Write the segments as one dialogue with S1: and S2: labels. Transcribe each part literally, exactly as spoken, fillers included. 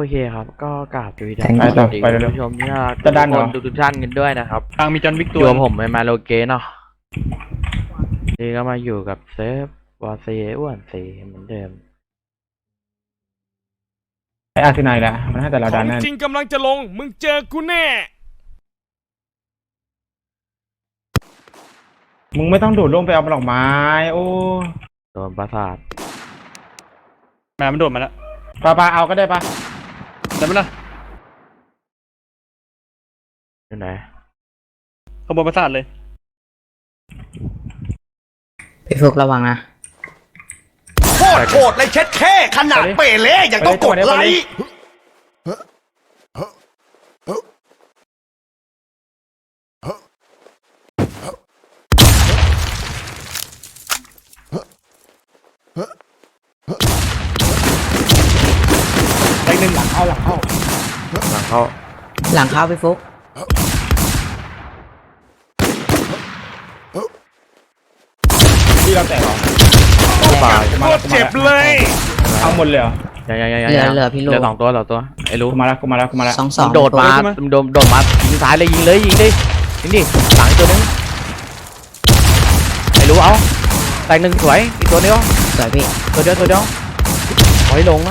S1: เคครับก็กราบสวัสดี
S2: ไปต่อไปเร็ว
S1: ผู้ชมที่น่ารัก
S2: จะดันเหรอ
S1: ทุกทุกท่านกันด้วยนะครับ
S3: ทางมีจอนวิก
S1: อ
S3: ตัว
S1: ยู่กับผมไอมาโลเกเนาะนี่ก็มาอยู่กับเซฟวาเซอ้วนเซเหมือนเดิม
S2: ไออาร์ซีไนแหละมันให้แต่เรา
S4: ข
S2: ดั
S4: อน ง
S2: แน่
S4: จริงกำลังจะลง มึงเจอกูแน่
S2: มึงไม่ต้องโดดลงไปเอาดอกไม้โอ้
S1: โดนประสาท
S3: แม่มันโดดมาแล้ว
S2: ปาปาเอาก็ได้ปะ
S3: ได้ไหมล่ะ
S1: อยู่ไหน
S3: ขบวนประสาทเลย
S5: พี่ฟุกระวังนะ
S6: โคตรโหดเลยเช็ดแค่ขนาดเปเล่ยังต้องกดไลค์
S3: ไปหนึ่งหลัง
S2: เอาหลังเข้า
S1: หลังเขา
S5: หลังเข้าพี่ฟุก
S2: ที่เราแตกเหรอ
S1: ตาย
S4: โคตรเจ็บเลย
S2: เอาหมดเลยเหรอ
S1: ยังยังยัง
S5: เหลือ
S1: ยัง
S5: เหลือพี่ลู
S1: เหลื
S5: ก
S1: อสองตัวสองตัวไอ้รู้
S2: กูมาแล้วกูมาแล้วกูมาแล้ว
S5: สองสอง
S1: โดดมาโดดโดดมายิงซ้ายเลยยิงเลยยิงดิยิงดิหลังอีกตัวนึงไอ้รู้เอาแตกหนึ่งสวยอีกตัวเดียว
S5: สวยพี่
S1: ตัวเดียวตัวเดียวขอให้ลงนะ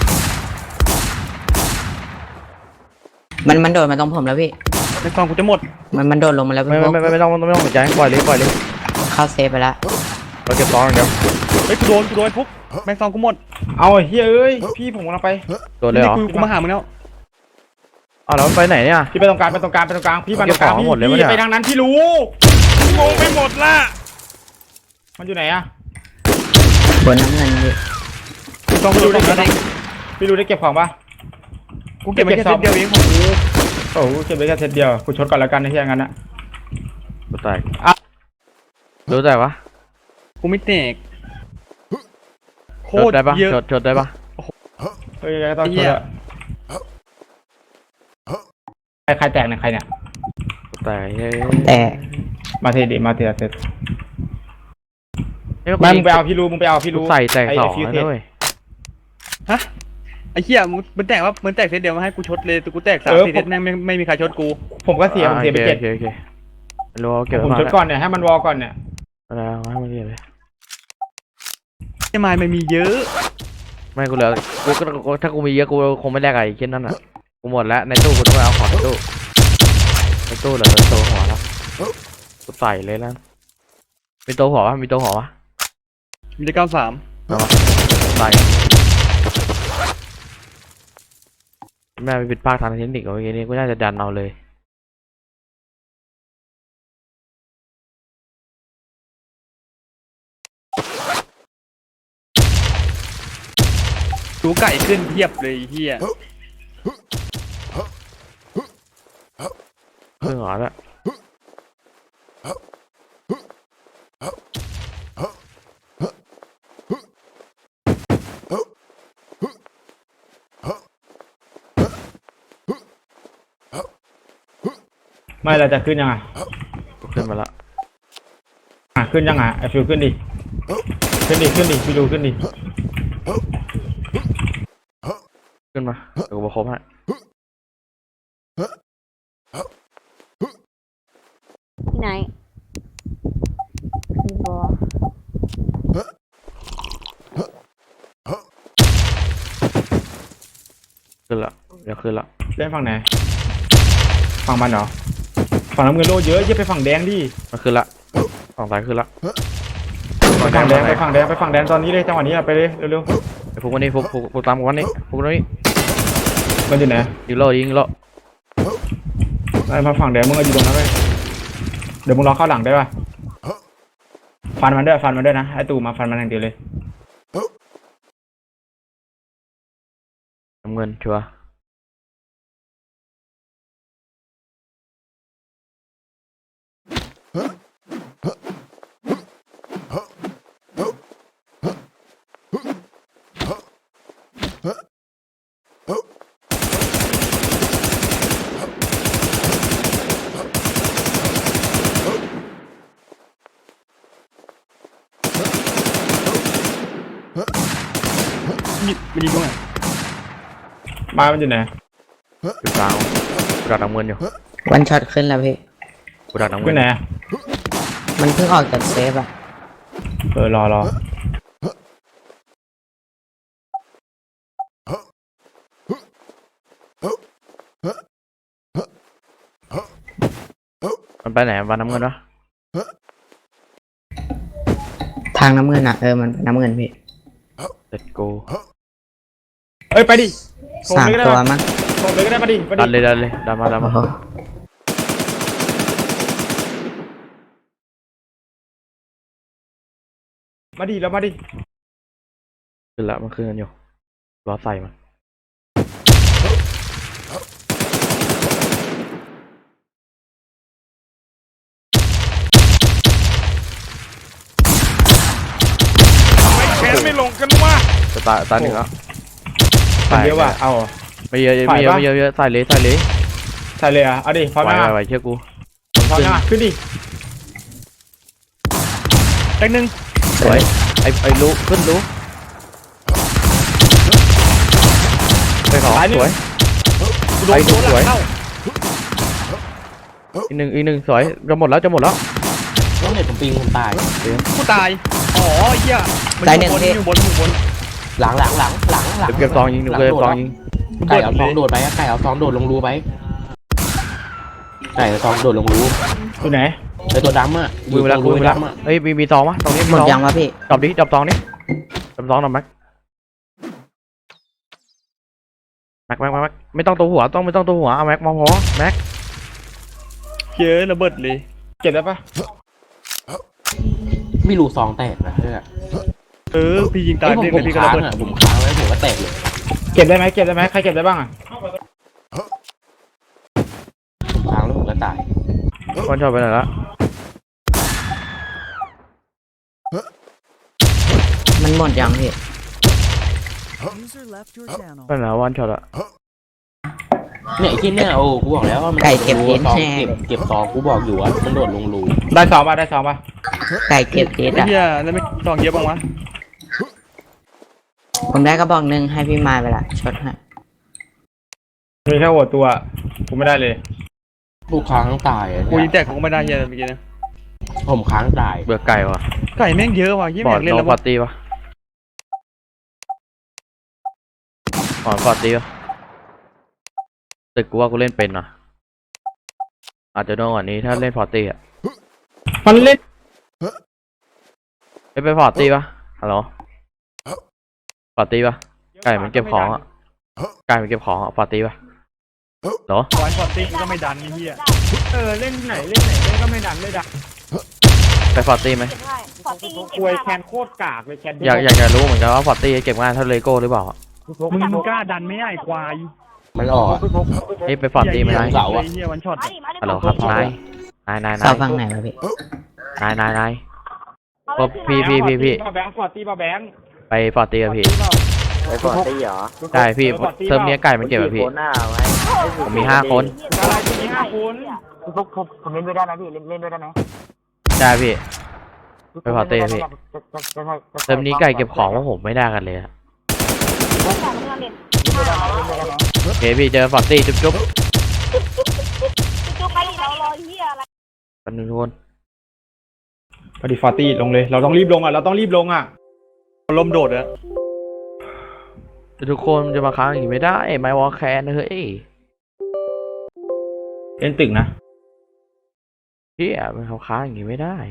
S5: มันมันโดดมาตรงผมแล้วพี่
S3: ในกล่องกูจะหมด
S5: มันมันโดดลงมาแล้ว
S1: ไม่
S5: พี่ฟุ
S1: ไม่
S5: ก
S1: ไม่ไม่ต้องไม่ต้องสนใจปล่อยเลยปล่อยเลย
S5: เข้าเซฟไปแล้ว
S1: เราเก็บซองอย่างเดียว
S3: เฮ้ยกูโดนกูโดนฟุกแม่งซองกูหมด
S2: เอาไอ้เฮ้ยเอ้ยพี่ผมกำลังไป
S1: ตัวเลยเหรอ
S3: นี่กูกูมาหามึงแล้ว
S1: อ๋อแล้วไปไหนเนี่ย
S2: พี่ไปตรงกลางไปตรงกลางไปตรงกลางพี่ไปตรงกลาง
S1: เก็บของ
S2: พี่
S1: หมดเลยปะเนี่ย
S2: พี่ไปทางนั้นพี่รู้
S4: งงไปหมดละ
S2: มันอยู่ไหนอะ
S5: บนน้ำเงินพี่
S3: ซองกูโดนแล้ว
S2: พี่รู้ได้เก็บของปะ
S3: กูเก็บไปแค่เซตเดียวเองของกู
S2: โอ้โหเก็บไปแค่เซตเดียวกูชดก่อนแล้วกันในที่อย่างนั้นนะ
S1: ตัวแตกรู้แต่ปะ
S3: กูไม่แตกโค
S1: ชด
S3: ตร
S1: ได้ปะ
S3: เยอะ
S1: ชดชดได้ปะ
S2: เฮ้ยก็ต้องชดอะใครใครแตกเนี่ยใครเนี่ย
S1: ตัวแตกเฮ้ย
S5: แต่
S2: มาเทดิมาเทเซต
S1: เฮ้ย
S2: ไม่มึงไปเอาพี่รู้มึงไปเอาพี่
S1: กู
S2: รู้
S1: ใส่แตกสอง
S2: ไฟิว
S1: แล้ว
S2: เทส
S1: ด้วย
S3: ฮะไอ้เหี้ยมึงมันแตกว่ามันแตกเซตเดียวมาให้กูชดเลยแต่กูแตกสามสี่เซตแม่งไม่ไม่มีใครชดกู
S2: ผมก็เสียผมเสียไปเจ็ด
S1: โอเคโอเครู้เก็บ
S2: ผม
S1: มา
S2: ชดก่อนเนี่ยให้มันวอลก่อนเนี่ย
S1: แล้วให้มันเก็บเลย
S3: ไอ้ไม้มันมีเยอะ
S1: ไม่กูเหลือกูก็ถ้ากูมีเยอะกูคงไม่แลกอะไรเช่นนั้นอ่ะกูหมดแล้วในตู้กูต้องไปเอาของในตู้ในตู้เหลือแต่ตัวหัวแล้วกูใส่เลยแล้วมีตัวหัวปะมีตัวหัวปะ
S3: มีได้เก้าสาม
S1: เอามาใส่แม่ไปผิดพลาดทางเทคนิคเอาไว้นี้กูน่าจะดันเอาเลย
S3: ตูไก่ขึ้นเทียบเลยไอ้เหี้ย
S1: เรื่องหรอแล้ว
S2: ไม่เราจะขึ้นยังไง
S1: ขึ้นมาละ
S2: อ่ะขึ้นยังไงไอฟิวขึ้นดิขึ้นดิขึ้นดิพี่รู้ขึ้นดิ
S1: ขึ้นมาเดี๋ยวกูมาครบให้
S7: ที่ไหนพี่บัว
S1: ขึ้นละเดี๋ยวขึ้นละ
S2: เล่นฝั่งไหนฝั่งมันเหรอฝั่งน้ำเงินโลเยอะเยอะไปฝั่งแดงดิ
S1: มันขึ้นละฝั่งซ้ายขึ้นละ
S2: ไปฝั่งแดงไปฝั่งแดงไปฝั่งแดงตอนนี้เลยจังหวะนี้อะไปเลยเร็ว
S1: ไอ้พวกวันนี้พวกพวกพวกตามกูวันนี้พวกนี้
S2: ๆมันอยู่ไหน
S1: ยิงโลยิงโล
S2: ไอ้มาฝั่งแดงมึงก็อยู่ตรงนั้นเลยเดี๋ยวมึงรอเข้าหลังได้ป่ะฟันมันด้วยฟันมันด้วยนะไอ้ตู่มาฟันมันอย่างเดียวเลย
S1: น้ำเงินชัวร์
S2: บ้านมันอยู่ไหน
S1: อยู่กลางกูดักน้ำเงินอยู่
S5: วันช็อตขึ้นแล้วพี่
S1: กูดักน้ำ
S2: อ
S1: เงิ
S2: ยู่
S1: น
S2: ไหน
S5: มันเพิ่งออกจากเซฟอะ
S2: เออรอรอ
S1: มันไปไหนวันน้ำเงินวะ
S5: ทางน้ำเงินอะเออมันเป็นน้ำเงินพี่
S1: เด็ดกู
S2: เอ้ยไปดิโถม
S5: สาม
S2: เลยก็ได้
S5: ตัว
S2: ปะ
S5: มั้ง
S2: โถมเลยก็ได้มาดิมา
S1: ดัน
S2: ดิ
S1: เลยดันเลยดันมาดัน
S5: โอ้
S1: มา
S5: โห
S2: มาดิแล้วมาดิ
S1: ขึ้นละมันขึ้นกันอยู่รอใส่มัน
S4: แขนไม่ลงกันวะ
S1: จะตายตายหนึ่งแล้ว
S2: มันเยอะว่ะเอาเหรอ
S1: ไม่เยอะไม่เยอะไม่เยอะไม่เยอะใส่เลยใส่เลย
S2: ใส่เลยอ่ะเอาดิพร้อม
S1: ไหว
S2: ยัง
S1: ไหว
S2: อ่ะ
S1: ไหวเชื่อกู
S2: พร้อมยังอ่ะขึ้นดิ
S3: แตกหนึ่ง
S1: สวยไอ้ไอ้รู้ขึ้นรู้ไปขอ
S2: ตายหนึ่
S1: ส
S2: ง
S1: วย
S3: กูโด
S1: ไป
S3: น
S1: ดู
S3: โดนห
S1: สวย
S3: ลังเข้า
S1: อีกหนึ่งอีกหนึ่งสวยจะหมดแล้วจะหมดแล้ว
S7: ต้องเห็นผมปิงผมตาย
S3: กูตายอ๋อไอ้เหี้ยมัน
S5: ตาย
S3: อ
S5: หนึ่ง
S3: ยู่บน
S5: พี่
S3: อยู่บนอยู่บน
S7: หลังหลังหลังหลังหลัง
S1: เก็บซองยิงดูเก็บซองยิง
S7: ไก่เอาซองโดดไปอะไก่เอาซองโดดลงรูไปไก่เอาซองโดดลงรู
S2: อยู่ไหน
S7: ไอตัวดำอะอ
S1: มื
S7: ยู่
S1: อ
S7: ต
S1: แล้
S7: ร
S1: ว
S7: ง
S1: มื
S7: รู
S1: อแล้ว
S7: ดำอะ
S1: เฮ้ยมีมีซองวะตรงนี้มี
S5: หมด
S1: ซอง
S5: ยังวะพี่
S1: จับดิจับซองนี่จับซองหน่อยแม็กแม็กแม็กแม็กแม็กไม่ต้องตัวหัวต้องไม่ต้องตัวหัวเอาแม็กมองพอแม็ก
S3: เยอะระเบิดเลย
S2: เก็บได้ปะ
S7: ไม่รู้ซองแตกนะเพื่อน
S3: เออพี่ยิงตาย
S7: ไอ้ผม
S3: พี่
S7: ผม
S3: พี่ก็
S7: ค้า
S3: ระ
S7: ง
S3: เบิด
S7: อะผมค้างไว้ผมก็แตกเลย
S2: เก็บได้ไหมเก็บได้ไหมใครเก็บได้บ้างอ่ะ
S7: ผมค้างแล้วผมก็ตาย
S1: วันชอบไปไหนละ
S5: มันหมดยังพี่
S1: ไปไหนวันช็อตอะ
S7: เนี่ยไอ้ที่เนี่ยโอ้กูบอกแล้วว่ามัน
S5: ไก่เก็บ
S7: โด
S5: เห็
S7: ด
S5: น
S7: ลงรูซอง
S5: แน่
S7: เก็บเก็บซองกูบอกอยู่ว่ามันโดดลงรู
S2: ได้สองป่ะได้สองป่ะ
S5: ไก่เก็บเจ็ด
S3: ไอ้
S5: อะ
S3: เหี้ยแล้วไม่ซองเยอะบ้างวะ
S5: ผมได้กระบอกหนึ่งให้พี่มายไปละช็อตให้
S2: มีแค่หัวตัวกูไม่ได้เลย
S7: กูค้างตายอะ
S3: กูยิงแตกของไม่ได้เหี้ยเมื่อกี้นะ
S7: ผมค้างตาย
S1: เบื่อไก่วะ
S3: ไก่แม่งเยอะว่ะยี่
S1: บ
S3: แม่
S1: อด
S3: งเล่น
S1: โน
S3: แล้ว
S1: ปา
S3: วะ
S1: ร์ตี้ปะบอดปาร์ตี้ปะแต่กูว่ากูเล่นเป็นนะอาจจะโดนกว่านี้ถ้าเล่นพอร์ตี้อะ
S2: มันเล่น
S1: ไม่ไปพอร์ตี้ปะฮัลโหลพอร์ตี้ปะไก่มันเก็บของอะไก่มันเก็บของอะพอร์ตี้ปะเหรอ
S3: วันพอตี้ก็ไม่ดันไอ้เหี้ย
S2: เออเล่นไหนเล่นไหนเล่นก็ไม่ดันไม่ดัน
S1: ไปพอร์ตี้ไหม
S2: ควยแคนโคตรกากเลยแคน
S1: อยากอยากจะรู้เหมือนกันว่าพอร์ตี้เก็บงานเท่าเลโก้หรือเปล่าอะ
S3: มึงมึงกล้าดันไหม่ไอ้ควาย
S7: มันออกอะ
S1: เฮ้ยไปพอร์ตี้ไหมนาย
S7: เสาอะ
S3: ไอ้เหี้ยวันช็อต
S1: ฮัลโหลครับนายนายนายนา
S5: เสาย ฝั่งไหนวะพี่
S1: นายนายนายก็พี่พี่พี่พี่
S2: มาแบงค์ฟอร์ตี้มาแบงค์
S1: ไปพอร์ตี้กับพี่
S8: ไปก่อนได้เหรอ
S1: ใช่พี่เติมเนี้ยไก่มันเก็บอะพี่
S8: โคหน้าไว้
S1: ผมมีห้าคน
S2: อะไรมีห้าคน
S8: พวกผมผมเล่นด้วยได้นะพี่เล่นเล่นด้วยได้ไหม
S1: ใช่พี่ ไปพอเต้พี่ เติมนี้ไก่เก็บของว่าผมไม่ได้กันเลยอะโอเคพี่เจอฟอร์ตี้จุ๊บจุ๊บ
S9: จุกไปเรารอเฮียอะไร
S1: กันทุกคน
S2: พอดีฟอร์ตี้ลงเลย เราต้องรีบลงอ่ะเราต้องรีบลงอ่ะ
S3: ลมโดดอะ
S1: ทุกคนจะมาค้างอย่างนี้ไม่ได้ไมวอลแคนเฮ้ย
S2: เล่นตึกนะ
S1: พี่อะมันเขาค้างอย่างนี้ไม่ได้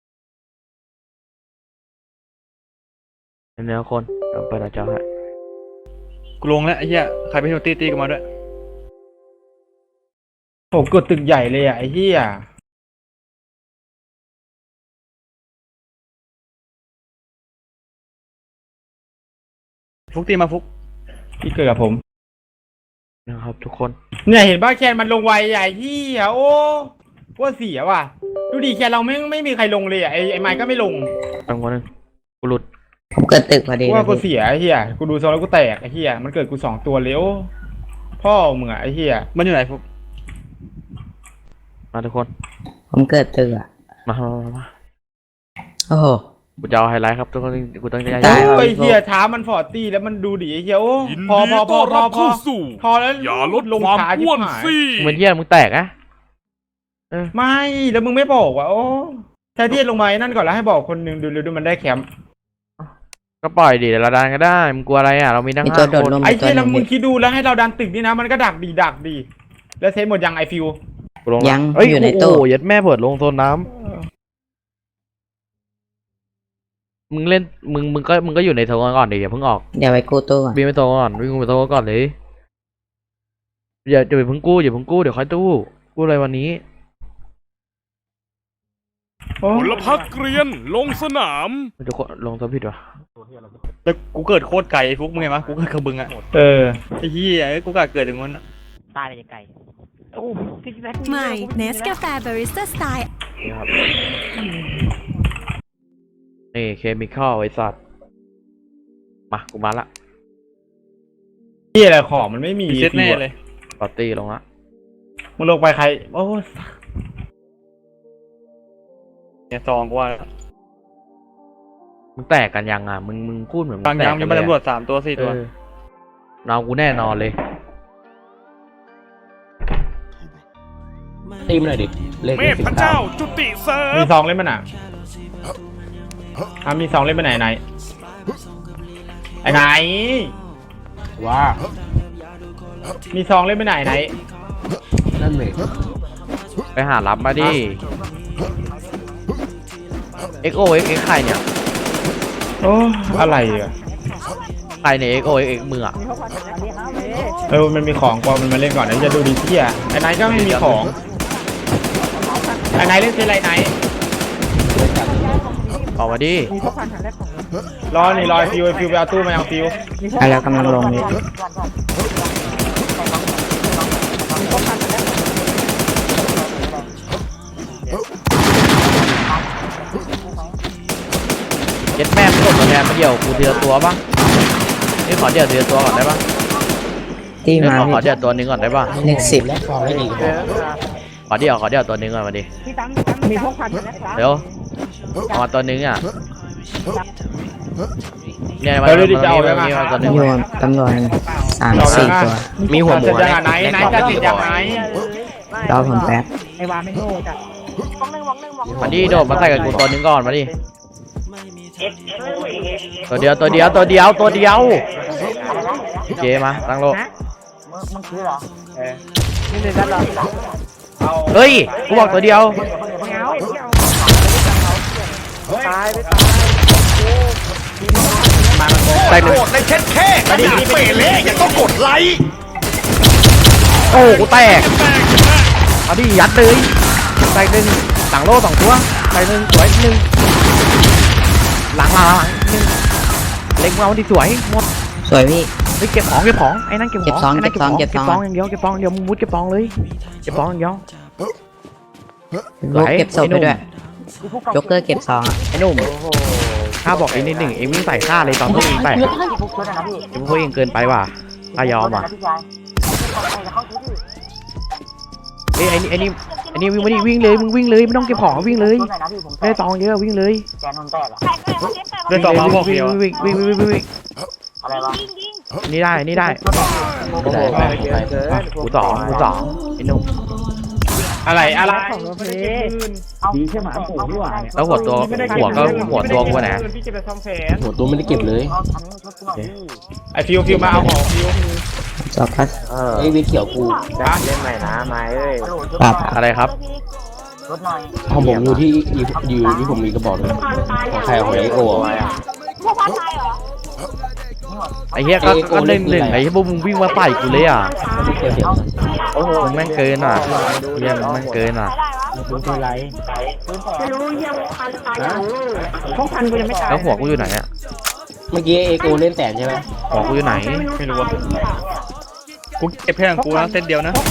S1: เนื้อคนเดี๋ยวเปิดหน้าจอให้
S3: กูลงแล้วไอ้เหี้ยใครไปเที่ยวตีตีกันมาด้วย
S2: โหกดตึกใหญ่เลยอ่ะไอ้เหี้ย
S3: ฟุกตีมาฟุก
S2: ที่เกิดกับผม
S1: นะครับทุกคน
S2: เนี่ยเห็นบ้าแคนมันลงไวใหญ่ที่อ่ะโอ้ว่าเสียว่ะดูดิแคนเราไม่ไม่มีใครลงเลยอ่ะไอ้ไอ้ไมค์ก็ไม่ลง
S1: ตั้งวันนึงกูหลุด
S5: ผมเกิดตึกพอดี
S2: กู
S5: เล
S2: ว่าย กู
S5: พี่
S2: เสียไอ้เหี้ยกูดูโซนแล้วกูแตกไอ้เหี้ยมันเกิดกูสองตัวเร็วพ่อมึงอ่ะไอ้เหี้ย
S3: มันอยู่ไหนฟุก
S1: มาทุกคน
S5: ผมเกิดตึกอะ
S1: มามามามา
S5: โอ้โห
S1: กูจะเอาไฮไลท์ครับทุกคนกูต้องย้าย
S2: โอ้
S1: ย้าย
S2: ยเฮียช้ามันฟอร์ตี้แล้วมันดูดิไอ้เฮียโอ้
S4: ยิน
S2: พอ
S4: ดี
S2: พอพ
S4: ต้
S2: อ
S4: อน
S2: พ
S4: รั
S2: อบ พอ
S4: เข้าสู่
S2: พอแล้ว
S4: อย่าลด
S2: ลง
S4: ความ
S2: ช้าชิบ
S4: อ้วน
S2: หาย
S4: สิ
S1: มึงเป็นเหี้ยมึงแตกอะ
S2: ไม่แล้วมึงไม่บอกว่าโอ้แทนที่ลงมาไอ้นั่นก่อนแล้วให้บอกคนหนึ่งดูดูดูมันได้แคมป์
S1: ก็ปล่อยดิเดี๋ยวเราดันก็ได้มึงกลัวอะไรอ่ะเรามีทั้ง
S5: มี
S1: ห้า
S5: ตัวโดด
S1: คน
S5: ลง
S2: ไอ้
S5: มีตัว
S2: เหี้ย
S5: ห
S2: แล้ว
S5: นึ่ง
S2: มึงคิดดูแล้วให้เราดันตึกนี่นะมันก็ดักดีดักดีแล้วเซฟหมดยังไอฟิว
S1: กูลง
S5: ยัง
S1: เอ้ย
S5: อยู่ใน
S1: โอ้
S5: ตู้
S1: โหยัดแม่เปิดลงโซนน้ำมึงเล่นมึงมึงก็มึงก็อยู่ในโซนก่อนดิอย่าเพิ่งออก
S5: เดี๋ยวไปกู้ตู้ก่อน
S1: วิ่งไปโซนก่อนวิ่งไปโซนก่อนเลยอย่าอย่าไปเพิ่งกู้อย่าเพิ่งกู้เดี๋ยวค่อยตู้กู้อะไรวันนี้
S2: โอ้
S4: ผลพักเกรียนลงสนาม
S1: มันจะลงโซนผิดวะ
S3: แล้วกูเกิดโคตรไกลไอ้ฟุกมึงไงวะกูเกิดกระบึงอะ
S2: เออ
S3: ไอ้เหี้ยเอ้ยกูกะเกิดถึงมันอะ
S8: ตายเลยไก่โอ้พี่แม็ก
S9: ใหม่เนสกาแฟบาริสต้าสไตล์
S1: นี่ครับนี่เคมีคอลไอ้สัตว์มากูมาละ
S2: ที่อะไรของมันไม่มี
S3: มีเซตแน่เลย
S1: ปาร์ตี้ลงละ
S2: มึงลงไปใครโอ้
S3: เนี่ยซองกูว่า
S1: มึงแตกกันยังอ่ะมึงมึงพูดเหมือนมึ
S3: บาง
S1: งแต
S3: ยั
S1: ก
S3: ง
S1: กั
S3: ยั
S1: น
S3: ง
S1: เล
S3: มาย ตำรว
S1: อะ
S3: จสามตัวสี่ตัว
S1: เออน้องกูแน่นอนเลย
S7: ตีมหน่อยดิเลข
S4: เมธพระเจ้าจุติเสริ
S2: มี
S4: ม
S2: ซองเล่นมันอ่ะอ่ะมีซองเล่นไปไหนไหนไอ้ไหน
S7: ว่า
S2: มีซองเล่นไปไหนไหน
S7: นั่นเลย
S1: ไปหารับมาดิ เอ็กโอเอ็กเอ็กใครเนี่ย
S2: โอ้อะไรอ่ะ
S1: ใครเนี่ยเอ็กโอเอ็กเอ็กมืออ่ะ
S2: เออมันมีของกว่ามันมาเล่นก่อนเดี๋ยวจะดูดีเที่ยไอ้ไหนก็ไม่มีของไอ้ไหนเล่นเซนไรไหน
S1: ออกมาดิ
S2: รอนี่รอไอ้ฟิวไอ้ฟิวไปเอาตู้มาเอาฟิว
S5: อ่ะแล้วกำลังลงนี่
S1: เย็ดแม่ไม่กดตัวแทนมาเดี่ยวกูเดียวตัวปะนี่ขอเดี่ยวเดียวตัวก่อนได้ปะ
S5: ที่
S1: เอ้ย
S5: มา
S1: ขอขอ
S5: พี่
S1: เดี่ยวตัวหนึงก่อนได้ปะ
S5: เลขสิบ
S7: และฟองให้ดีพอ
S1: ขอเดี่ยวขอเดี่ยวตัวหนึงก่อนมาดิ
S8: มีพวกพันกันนะครับ
S1: เดี๋ยวเอามาตัวหนึงอ่ะเนี่ยมา
S2: เดี๋ยวดูดิจะเอาไป
S1: มา
S2: มา
S1: มาตัวหนึง
S5: โยนตำรวจสามสี่ตัว
S1: มีหัวหมู
S2: จะยังไงไหนไหนจะติดยังไง
S5: รอผมแป๊บ
S8: ไอ้วาไม่โง่จ้ะวองหนึ่งวองหนึ่งวองหนึ่ง
S1: มาดิโดดมาใส่กับกูตัวหนึงก่อนมาดิตัวเดียวตัวเดียวตัวเดียวตัวเดียวโอเคมาตั้งโลก
S8: มึงมึงคือเหรอเออนี่เลยด้านหลัง
S1: เฮ้ยกูบอกตัวเดียว
S8: ไม่เอาตายไปตาย
S2: มามัน
S1: แตกหนึ่ง
S6: โคตรเลยเช็ดแค่ขนาดเปเล่ยังต้องกดไลค์
S1: โอ้กูแตกเอาดิยัดเลยแตกหนึ่งหลังโลสองตัวแตกหนึ่งสวยหนึ่งหลังหลังหลังหนึ่งเล็งเอาดิสวยหมด
S5: สวยพี่
S1: เฮ้ยเก็บของเก็บของไอ้นั่นเก็บของ
S5: เก็บซอง
S1: ไอ้นั่น
S5: เก็บซอง
S1: เก็บของอย่างเดียวเก็บของอย่างเดียวมึงมุดเก็บของเลยเก็บของอย่างเดียว
S5: ลูกเก็บศพไปด้วยโจ๊กเกอร์เก็บซองอ่ะ
S1: ไอ้หนุ่มข้าบอกไอ้นิดหนึ่งเอ็งวิ่งใส่ข้าเลยตอนพวกเองแตก
S8: พี่ฟุกช่วยหน่อยนะพี่
S1: เอ็งพวกเองเกินไปว่ะข้ายอมว่ะ
S8: พี่ชายเข้าที่พี่
S1: เอ้ยไอ้นี่ไอ้นี่ไอ้นี่วิ่งมาดิวิ่งเลยมึงวิ่งเลยไม่ต้องเก็บของวิ่งเลย
S8: ช่วยหน่อยนะพี่ผม
S1: ได้ซองเยอะวิ่งเลย
S8: แกนนแตกอะ
S3: เล่นต่อมาบอกเดียว
S1: วิ่งวิ่งวิ่งวิ่งวิ่งวิ่ง
S8: อะไรวะ
S1: นี่ได้นี่ได้
S7: ไม่ได้ไม่ได้
S1: กูสองกูสองไอ้หนุ่ม
S2: อะไรอะไร
S8: ดีใช่ไหมปู่พี่หวาน
S1: แล้วหัวตัวหัวก็หัวตัวกูนะ
S2: พี่จะไปซ่อมแซม
S7: หัวตัวไม่ได้เก็บเลย
S8: เอาอันนี้ชุดหน่อยพี่
S2: ไอฟิวฟิวมาเอาของฟิว
S5: จอบพัส
S7: ไอ้เวทเขียวกู
S8: เล่นใหม่นะไม้เอ้ย
S5: ปรับ
S1: อะไรครับ
S8: ชุดหน่อย
S7: ของผมอยู่ที่อยู่ที่ผมมีกระบอกเลยของใครของไอโก้อะ
S1: ไอ้เหี้ยก็ก็หนึ่งหนึ่งไอ้เหี้ยพวกมึงวิ่งมาใส่กูเลยอ่ะ
S7: ไม่เกี่ยวเสียง
S1: โอ้โหมึงแม่งเกินอ่ะเหี้ยมึงแม่งเกินอ่ะ
S8: ดูตัวไรไม่รู้ยังพันตายอยู่พวกพันกูยังไม่ตาย
S1: แล้วหัวกูอยู่ไหนอ่ะ
S7: เมื่อกี้เอโก้เล่นแสนใช่ไหม
S1: หัวกูอยู่ไหน
S3: ไม่รู้ว่ากูเก็บแค่ของกูนะเซตเดียวนะ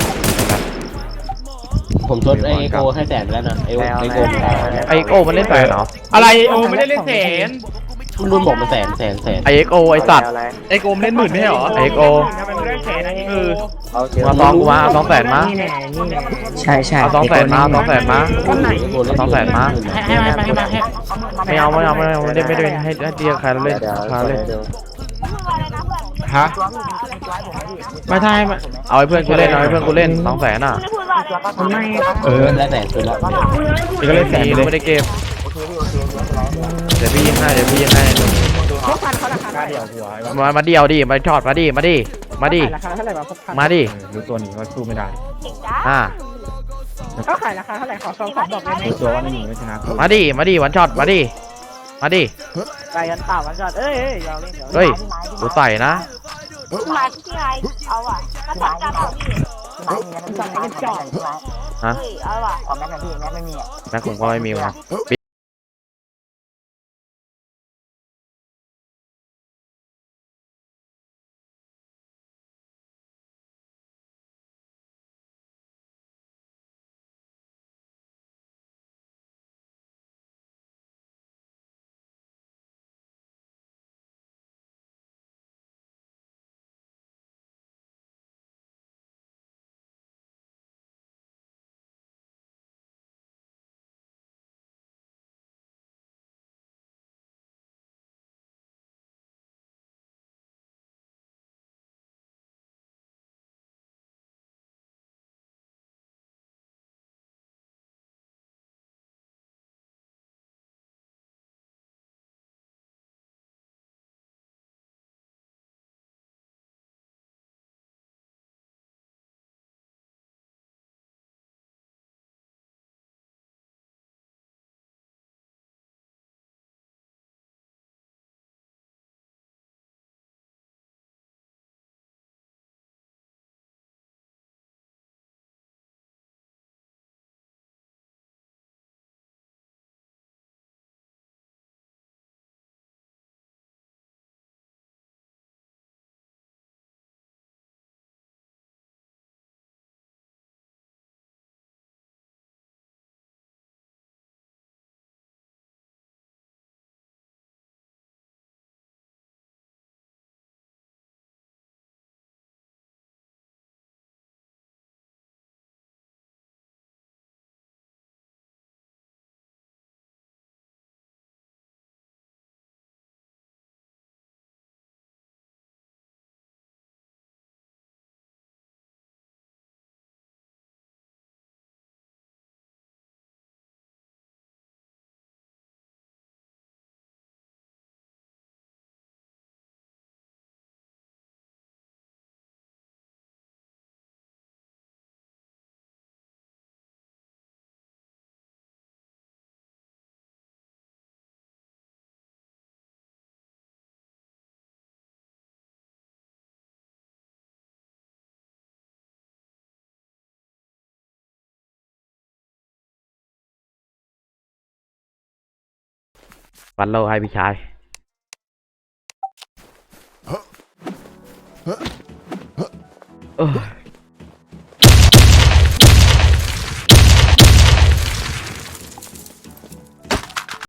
S7: ผมชดไอโก้ให้แสนไปแล้วนะไอไอโก้
S1: ไอ้โก้มันเล่นแฟนเหรอ
S2: อะไรโอ้ไม่ได้เล่นแสน
S7: รุ่นบอกมันแสนแสนแสน
S1: ไอเอ็กโอไอสัตว์
S3: ไอ้โกมเล่นหมื่นไม่ใช่เหรอ
S1: ไอเอ็กโอ
S8: ทำไมมึงได้แสนอันนี้
S3: เออ
S1: มาสองกูมาเอาสองแสนมา
S8: นี่แน่นี่แน่
S5: ใช่ใช่
S1: เอาสองแสนมาเอาสองแสนมา สองแสนมา
S7: ให้ให้ให้ให้ให้
S1: ไม่เอาไม่เอาไม่เอาไม่ได้ไม่ได้ให้ให้เดียใครเราเล่นใครเล่น
S2: ฮะไม่ใช่ไม่
S1: เอาให้เพื่อนกูเล่นเอาให้เพื่อนกูเล่นสองแสนอ่ะ
S8: ไม่
S2: เออ
S7: แล้วแต่สุดแล้ว
S2: อีกก็เลยแสน
S1: นี่
S2: ไปเลย
S1: ไม่ได้เก็บเดี๋ยวพี่ยิงให้เดี๋ยวพี่ยิงให้
S8: พกพันเขาราคา
S2: ค่า
S8: เท่าไห
S2: เดีย
S8: ร่
S2: วหัวไอ้วะ
S1: มามาเดียวดิมาช็อตมาดิมาดิมาดิ
S8: ราคาเท่าไหร่วะพกพัน
S1: มาดิ
S2: รู้ตัวนี้ว่าสู้ไม่ได้
S1: อ่า
S8: เขาขายราคาเท่าไหร่ขอสองสองบอกได้ไหม
S2: รู้ตัวว่าไม่หนีไม่ชนะ
S1: มาดิมาดิวันช็อตมาดิมาดิ
S8: ไปกันเปล่าวันก่อนเอ้ยเอ้ยยอมเล่นเดี๋ยว
S1: เฮ้ยกูใส่นะ
S10: มาที่ไงเอาอ่ะถ้าจับจับเอาพี่
S8: สั่งให้กันจอด
S1: ฮะ
S10: เฮ้ยเอาอ่ะ
S8: ออกแม็กกันพี่แม็กไม่มีอ่ะ
S1: แม็กผมก็ไม่มีว่ะ วันโลให้พี่ชายเออ